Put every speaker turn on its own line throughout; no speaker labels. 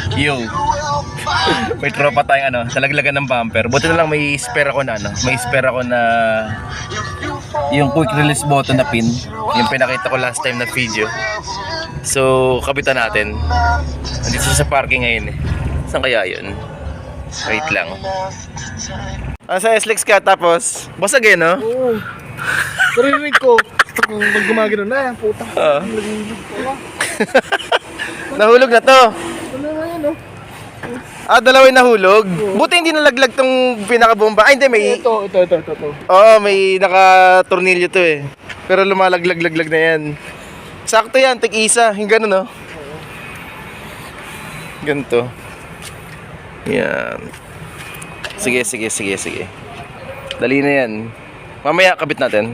Yo. May tropa tayong ano, talaglagan ng bumper. Buti na lang may spare ako na ano, may spare ako na yung quick release button na pin. Yung pinakita ko last time na video. So, kabitan natin. Nandito sa parking ngayon eh. Saan kaya yun? Wait lang. Sa SLEX ka tapos basag eh no?
Oo. Narinig ko. Pag gumagano na yan, puta.
Nahulog na to.
Ano na yan, no?
Dalawa yung nahulog. Buti hindi nalaglag tong pinakabomba. Ay, hindi, may...
Ito.
Oo, may naka-tornilyo to eh. Pero lumalaglag-laglag na yan. Sakto yan, tig-isa. Yung gano'n, no? Ganito. Yan. Sige. Dali na yan. Mamaya, kabit natin.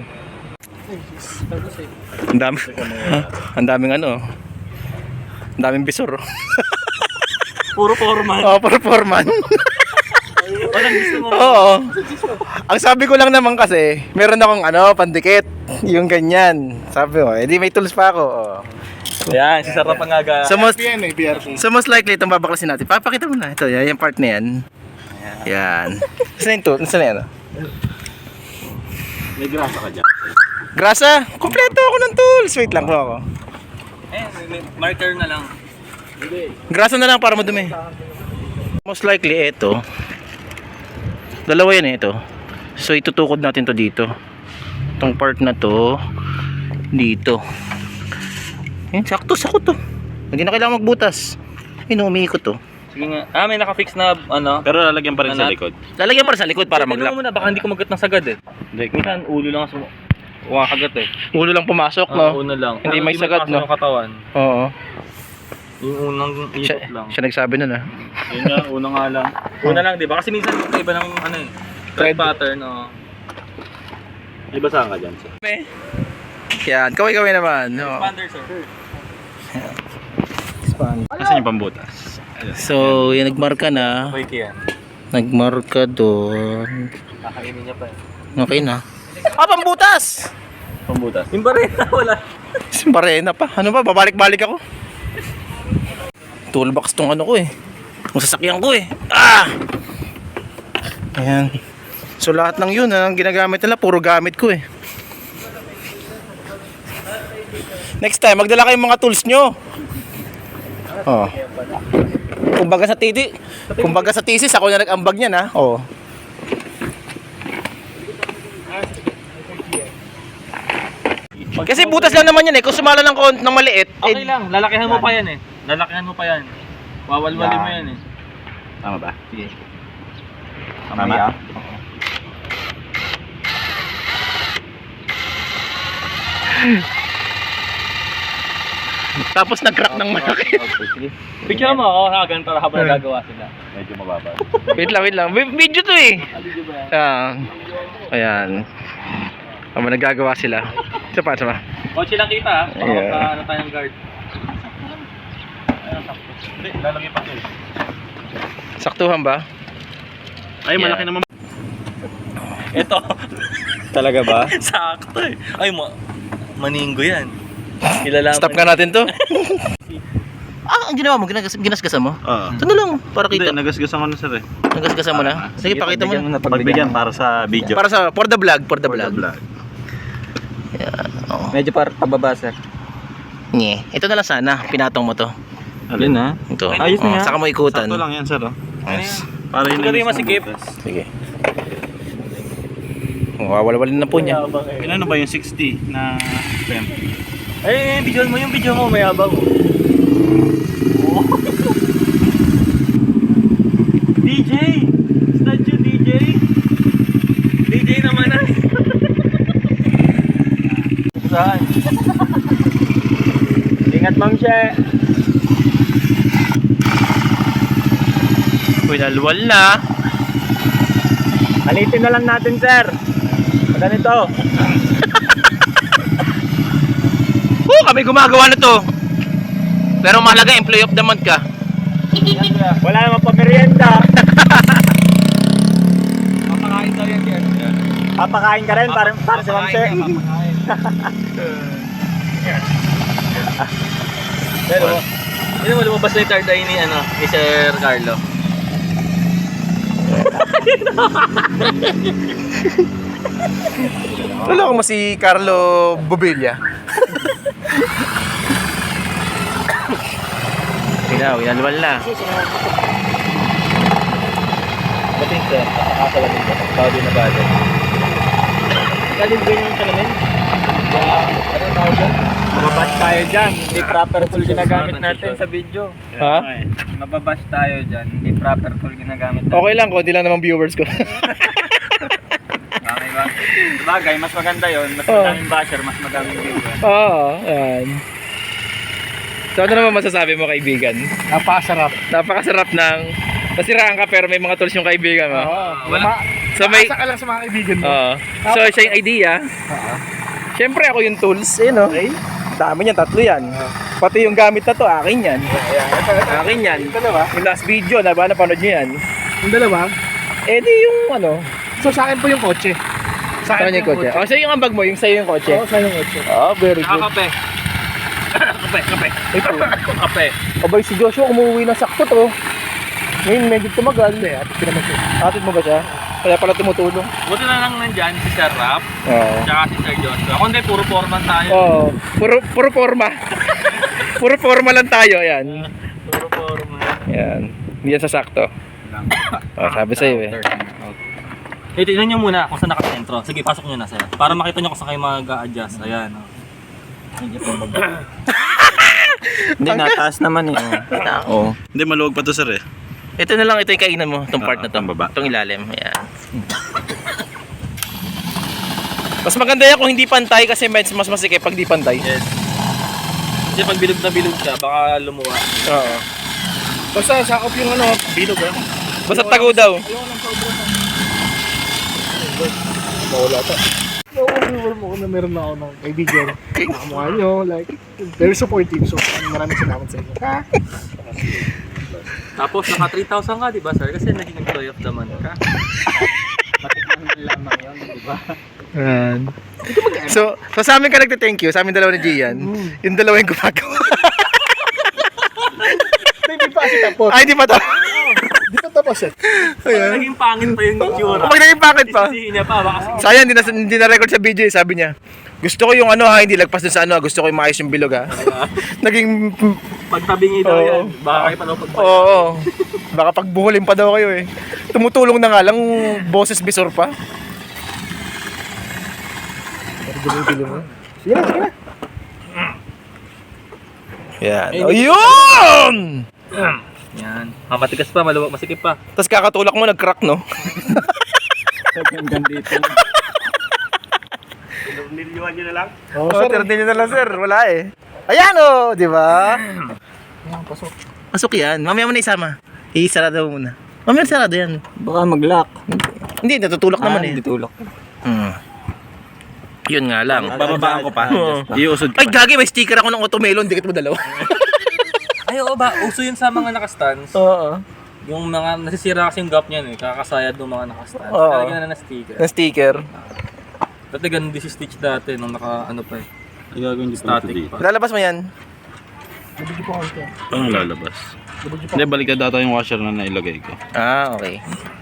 Ang dami. Ang daming ano. Ang daming bisor.
Puro foreman.
Oo, puro foreman.
Walang gusto mo.
Oo. Ang sabi ko lang naman kasi, meron akong ano, pandikit. Yung ganyan. Sabi ko, edi may tools pa ako. Oh.
Yan, si Sarap ang aga.
So most,
BRT.
so most likely, itong babaklasin natin. Papakita mo na. Ito, yung part na yan. Yan. Saan yung tool? Saan na yan?
May grasa ka dyan.
Grasa? Kompleto ako ng tools. Wait lang po ako.
May marker na lang.
Grasa na lang para madumi. Most likely, ito. Dalawa yan eh, ito. So, itutukod natin to dito. Itong part na to, dito. Yan, sakto to. Hindi na kailangan magbutas. Ayun, umiikot to.
Sige nga. May naka-fix na ano.
Pero lalagyan pa rin sa likod.
Lalagyan pa rin sa likod para
Tignan
mag-lock.
mo muna, baka hindi ko magat ng sagad eh. Minsan ulo lang ang kumakagat eh.
Ulo lang pumasok, no?
Una lang.
Hindi may sagad,
pasok
no?
yung katawan.
Oo.
Yung unang ikot lang.
Siya nagsabi nun, ah.
Yun nga, una nga lang.
Una lang, di ba? Kasi minsan iba ng ano eh. Thread pattern, oh.
Iba saan ka dyan, sir?
Yan, kaway-kaway naman. No.
Expander, sir.
Asan yung pambutas?
So, yan, nagmarka na.
Wait yan.
Nagmarka doon.
Kakainin niya pa eh.
Okay na. Pambutas!
Pambutas?
Yung barena, wala.
Simbarena pa. Ano ba? Babalik-balik ako. Toolbox tong ano ko eh. Ang sasakyan ko eh. Ayan. So lahat ng yun, ang ginagamit nila, puro gamit ko eh. Next time, magdala kayong mga tools nyo. Oh. Kumbaga sa thesis, ako na nag-ambag niyan ha. Oh. Kasi butas lang naman yan eh. Kung sumala ng maliit,
Okay lang, lalakihan mo pa yan eh. Lalakihan mo pa yan. Wawalwalin mo yan eh.
Tama ba?
Sige.
Tama?
Tapos nag-crack ng malaki.
Sige. Picture mo ako ha, ganun para habang nagagawa sila.
Medyo mababa.
Wait lang. Video to eh.
Video ba yan?
Ayan. Habang nagagawa sila. Isa pa.
Kotse lang kita ha. Baka
Yeah.
magka-ano tayong guard.
Hindi, lalagyan pa ito.
Saktuhan ba?
Ay,
Yeah.
malaki naman.
Ito.
Talaga ba?
Sakto eh. Ay, maninggo yan. Ilalaman.
Stop nga natin to. Ang ginawa mo, ginasgasan mo?
Oo.
Ito na lang, para
Hindi,
kita.
nagasgasan ko na, sir eh.
Nagasgasan mo na? Sige, pakita mo na.
Pagbigyan para sa video.
Para sa, for the vlog.
For the vlog.
Yan, oo.
Medyo para pababa sir.
Nye. Ito na lang sana, pinatong mo to.
Alin ha?
Ito.
Ayos na
Oo,
yan.
saka mo ikutan.
Sakto lang yan, sir. Oh.
Yes.
Para yun
Hindi masikip.
Sige. Wawalwalin na po niya.
Ilan ba yung 60 na pem?
Ay, video mo, may abang. Oh. DJ! Statue DJ! DJ naman ah! Saan? Ingat Ma'am She!
Winalwal na.
Alitin na lang natin sir! Ganito!
Kami gumagawa na to. Pero mahalaga, employee of the month ka.
Wala namang pamerienda! Papakain daw yan sir. Papakain ka rin para si Ma'am She? Pero, Hindi mo lumabas na yung third eye ni Sir Carlo.
Wala ko mo si Carlo Bobilla. Winalwal na.
Bating sir, nakakalamin ko. Bago na bago. Galing ba yung salamin? Ano tawag dyan?
Mababash tayo dyan. Hindi proper tool ginagamit natin sa video.
Ha?
Mababash tayo dyan. Hindi proper tool ginagamit natin.
Okay lang, konti lang naman viewers ko.
Okay ba? Sabagay, mas maganda yun. Mas madaming basher, mas madaming viewer.
Oo, yan. So ano naman masasabi mo, kaibigan?
Napakasarap.
Napakasarap ng nasiraan ka pero may mga tools yung kaibigan mo.
Wala.
So may
Asa ka lang sa mga kaibigan mo.
Oo. So siya yung idea. Siyempre ako yung tools, no? Dami niyan, 3 yan. Pati yung gamit na to, akin yan. Akin yan.
Yung dalawa?
Yung last video, napanood niyo yan.
Yung dalawa?
Eh di yung ano,
So sa akin po yung kotse. Sa
saan yung kotse? Oh, sa'yo yung ambag mo, yung sa'yo yung kotse.
Oo, sa yung kotse.
Oh, very good.
Kape. Kape.
Ito.
Kape.
Abay si Joshua umuwi na sakto to. Ngayon medyo tumagal. Atid mo ba siya? Kaya pala tumutulong.
Buti na lang nandyan si Sir Rap,
Oo.
tsaka si Sir Joshua. Ako hindi, puro foreman tayo.
Oo. Puro forma. Puro forma lang tayo, ayan.
Puro foreman.
Ayan. Hindi yan sasakto. Oh, sabi sa'yo eh.
Eh, tignan nyo muna kung saan nakasentro. Sige, pasok nyo na sir. Para makita nyo kung saan kayo mag-a-adjust. Ayan.
Hindi, nataas naman eh. Oo. Hindi, maluwag pa to sir eh.
Ito na lang, ito yung kainan mo, itong part na to.
ang baba.
Itong ilalim, ayan. Mas maganda yan kung hindi pantay kasi mas masikip pag di pantay.
Yes. Kasi pag bilog na bilog ka, baka lumuwa.
Oo.
Basta sakop yung ano, bilog ah.
Basta tago daw.
Mawala to. Nakuha mo ko na meron na ako ng kaibigan. Nakamukha nyo, like, very supportive. So, maraming salamat sa inyo. Ha?
Tapos naka 3,000 ka, di ba sir? Kasi naging employee of the month ka.
Ayan. So sa amin ka nagte-thank you, sa amin dalawa ni Gian. Yung dalawa yung gumagawa.
Hindi pa kasi tapos.
Ay, di pa to.
Di pa tapos eh.
Ayan.
Naging pangit pa yung itsura.
Pag naging pakit pa.
Sisihin niya pa, baka
Sayang, hindi na record sa video eh, sabi niya. Gusto ko yung ano ha, hindi lagpas dun sa ano, gusto ko yung maayos yung bilog ha. Naging,
pagtabingi daw
Oo.
yan. Baka kayo pa daw pagpapalala.
oo. Baka pagbuhulin pa daw kayo eh. Tumutulong na nga lang, boses bisor pa.
Sige na, sige na.
Yan. Ayun!
Yan. Matigas pa, maluwag, masikip pa.
Tapos kakatulak mo, nag-crack no?
Hanggang dito.
Niliwan nyo na lang?
Oo, sir. Nyo na lang, sir. Wala eh. Ayan oh, di ba?
Ayan, pasok.
Pasok yan. Mamaya mo na isama. Isarado mo muna. Mamaya sarado yan.
Baka mag-lock.
Hindi, natutulak naman eh.
Ditulok.
Yun nga lang.
Bababaan ko pa.
Oo.
Iusod ko
Ay,
pa.
gagi, may sticker ako ng Automelon. Dikit mo dalawa.
Ay, oo ba? Uso yun sa mga naka-stands.
Oo.
Yung mga nasisira kasi yung gap niyan eh. Kakasayad ng mga naka-stands.
Oo.
Talaga na sticker.
Na sticker.
Dati ganun din si Stitch dati nung naka ano pa eh.
Ay, gagawin dito
Static
dito.
pa.
Lalabas mo yan.
Nabigyan po ako ito.
Ano lalabas? Hindi, baliktad data yung washer na nailagay ko.
Ah, okay.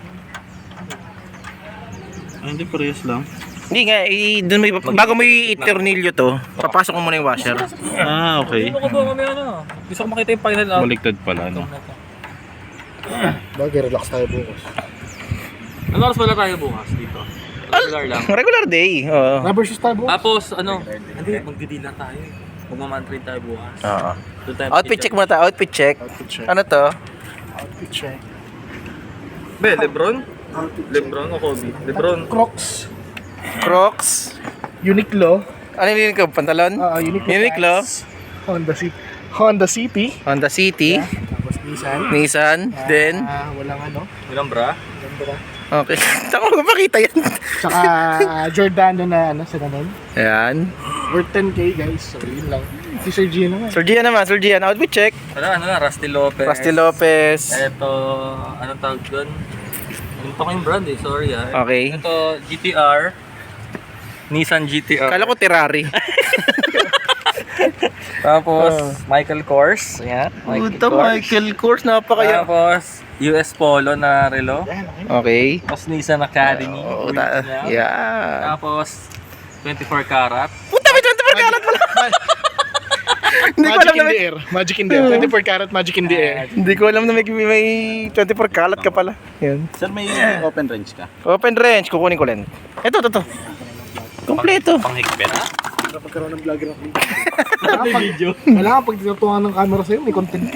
Ay, hindi, parehas lang.
Hindi nga, dun mo, bago mo i-tornilyo to, papasok mo muna yung washer.
Ah, okay.
Ano ko ba kami ano? Gusto ko makita yung final out.
Baliktad pala, no?
Bagay, relax tayo bukas.
Ano oras wala tayo bukas dito? Regular lang.
Regular day. Oo.
Rubber shoes tayo bukas.
Tapos ano? Hindi, magdi-deal tayo eh. Magmamantrain tayo bukas.
Oo.
Doon tayo
Outfit check muna tayo. Outfit check.
Outfit check.
Ano to?
Outfit check.
Be, Lebron? Lebron o Kobe? Lebron.
Crocs.
Crocs.
Uniqlo.
Ano yung ko? Pantalon?
Uniqlo.
Uniqlo.
pants. Honda City. Honda City.
Honda City.
Tapos Nissan.
Nissan. Then.
Walang ano.
Walang bra?
Walang bra.
Okay. Tako ko makita yan.
Tsaka Giordano na ano, sa ganun.
Ayan.
Worth 10k guys. So yun lang. Si Sir Gio naman.
Sir Gian naman. Sir Gian. Outfit check.
Wala, ano na, Rusty Lopez.
Rusty Lopez.
Ito, anong tawag doon? Ito ko yung brand eh, sorry ah.
Okay.
Ito, GTR. Nissan GTR.
Kala ko Terrari.
Tapos, Michael Kors. Ayan.
Puta, Michael Kors, napakaya.
Tapos, US Polo na relo.
Okay.
Tapos, Nissan Academy.
Oh,
Wheels niya.
yeah.
Tapos, 24 karat.
Puta, may 24 karat pala. Hindi ko alam na may...
Magic in the air. 24 karat magic in the air.
Hindi ko alam na may 24 karat ka pala. Yan.
Sir, may open range ka?
Open range, kukunin ko lang. Ito. Kompleto.
Panghigpit.
Pagkaroon ng vlogger ng video. Wala pag tinutuwa ng camera sa'yo, may content.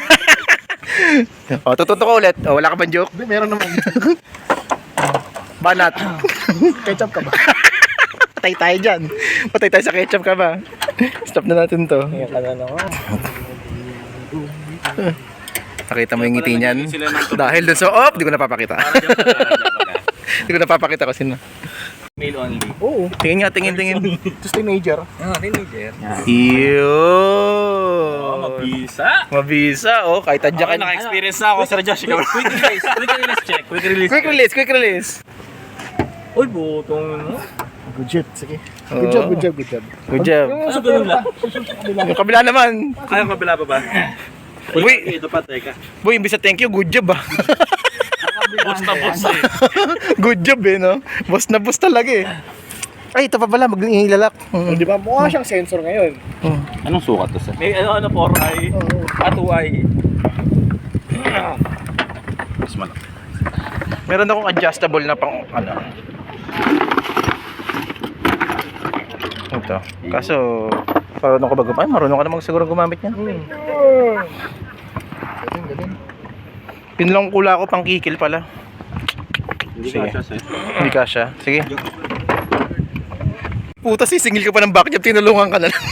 O, tututo ko ulit. O, wala ka bang joke?
Hindi, meron naman.
Banat.
Ketchup ka ba?
Patay tayo dyan. Patay tayo sa ketchup ka ba? Stop na natin to.
Ayan ka na naman.
Nakita mo yung ngiti niyan? Dahil dun sa... Oh, di ko napapakita. Di ko napapakita kasi na.
Male only.
Oo.
Tingin nga, tingin.
Just teenager.
Teenager.
Yun. Mabisa. Oh, kahit tadya ka.
Naka-experience na ako, Sir Josh.
Quick release. Quick release check.
Quick release.
Uy, butong mo.
Good job. Sige.
Oo.
Good job.
Good job.
Yung
Ano ganun lang?
Yung kabila naman.
Ayaw kabila pa ba?
Uy,
Ito pa, teka.
boy, imbis na thank you, good job ah.
Boss na boss eh.
Good job no? Boss na boss talaga eh. Ay, ito pa pala, mag-ilalak.
Di ba? Mukha siyang sensor ngayon.
Anong sukat to, sir?
May ano, 4i. At 2i.
Mas malaki.
Meron akong adjustable na pang ano. Ito. Kaso, marunong ka ba gumamit? Marunong ka namang siguro gumamit niya.
Galing.
Yun lang kula ko pang kikil pala.
Hindi
Sige.
ka siya, sir.
Hindi kasya. Sige. Puta, sisingil ka pa ng backjab, tinulungan ka na lang.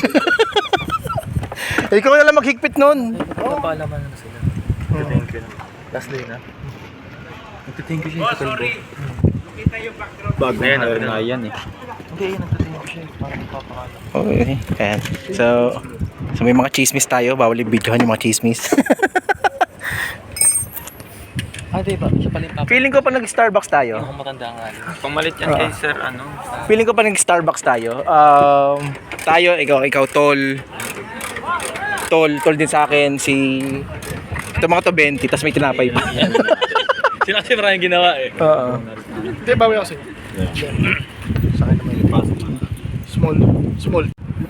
Ikaw na lang maghigpit nun.
Napalaman na sila. Thank you. Last day na. Nagtithank you siya sa kalbo.
Bagong hire na yan eh.
Hindi, nagtithank you siya. Parang magpapakala.
Okay. Ayan. So may mga chismis tayo. Bawal i-videohan yung mga chismis.
Diba? Siya pala yung papa.
Feeling ko pa nag-Starbucks tayo.
Yung matanda nga. Pamalit yan kay sir, ano?
Feeling ko pa nag-Starbucks tayo. Tayo, ikaw, Tol din sa akin. Ito mga to 20, tapos may tinapay pa.
Sila kasi maraming ginawa eh.
Oo.
Hindi, bawi ako sa'yo. Sa akin naman yung small.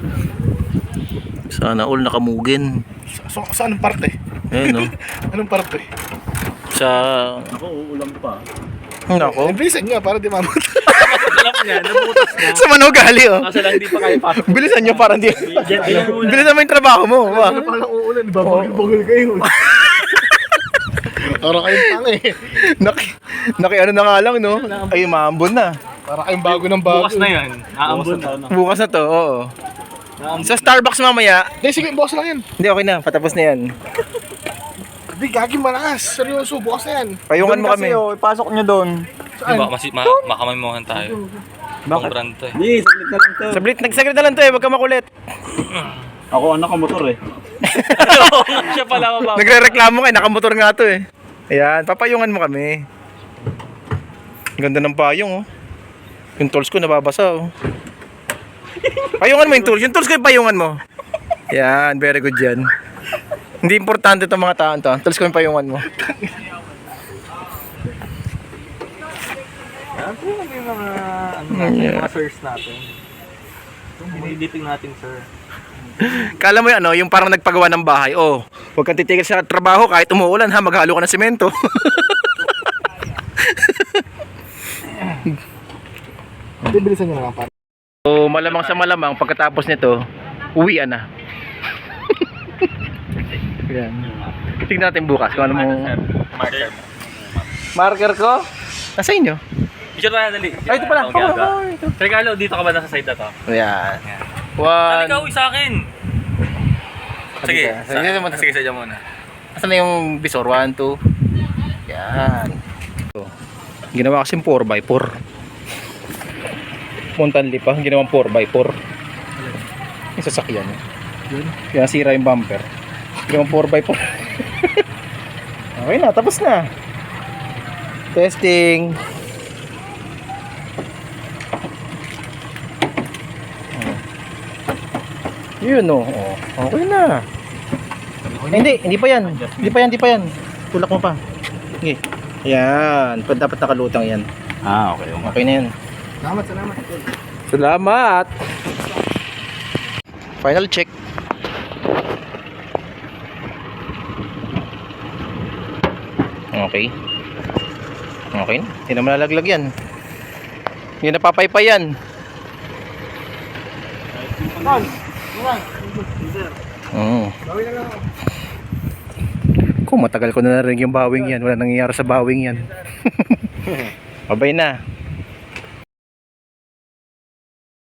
Sana all nakamugin.
Sa anong parte?
Ayun, no?
Anong parte?
Sa...
Ako, uulam pa.
Nako.
Bilisan nga para di mamot.
Alam niya, nabutas na.
Sa manugali, oh.
Kaso lang hindi pa kayo pasok.
Bilisan nyo para di...
Diyan muna.
Bilisan mo yung trabaho mo.
Ano pa lang uulan, di ba? Bagul kayo. Para kayong tanga eh.
Naki ano na nga lang, no? Ay, maambon na.
Para kayong bago ng bago.
Bukas na yan. Aambon na.
Bukas na to, oo. Sa Starbucks mamaya.
Hindi, sige, bukas lang yan.
Hindi, okay na. Patapos na yan.
Hindi, gagi malakas. Seryoso, bukas na yan.
Payungan mo kami.
Ipasok nyo doon.
Saan?
Makamaymuhan tayo. Bang brand to eh.
Hindi, saglit na lang to.
Saglit na lang to eh. Huwag ka makulit.
Ako, anak ko motor eh.
Siya pala mababa.
Nagre-reklamo ka eh. Nakamotor nga to eh. Ayan, papayungan mo kami. Ganda ng payong, oh. Yung tools ko nababasa, oh. Payungan mo yung tools. Yung tools ko yung payungan mo. Yan, very good yan. Hindi importante itong mga taon to. Tools ko yung payungan mo.
Ano yung mga mga sirs natin? Dinidiping natin, sir.
Kala mo yan, ano, yung parang nagpagawa ng bahay. Oh, huwag kang titigil sa trabaho kahit umuulan ha, maghalo ka ng semento.
Hindi, bilisan nyo na lang para.
So, malamang sa malamang, pagkatapos nito, uwian na. Yan. Tignan natin bukas kung ano mo...
Marker.
Marker ko? Nasa inyo?
Picture na dali.
Ay, ito pala.
Ito. Regalo, dito ka ba nasa side na to?
Ayan.
Saan
One.
ikaw sa akin? Sige,
Sige,
sige, sadya muna.
Asan na yung visor? 1, 2. Yan. So, ginawa kasing 4x4. Montanli pa, ginawang 4x4. Yung sasakyan. Kaya sira yung bumper. Ginawang 4x4. Okay na, tapos na. Testing. Yun oh. Okay na. Hindi pa yan. Hindi pa yan. Tulak mo pa. Okay. Yan. Dapat nakalutang yan.
Okay.
Okay na yan.
Salamat.
Salamat. Final check. Okay. Okay na. Hindi na malalaglag yan. Hindi na papaypay yan.
Bawi na lang ako.
Kung matagal ko na narinig yung bawing yan. Wala nangyayari sa bawing yan. Babay na.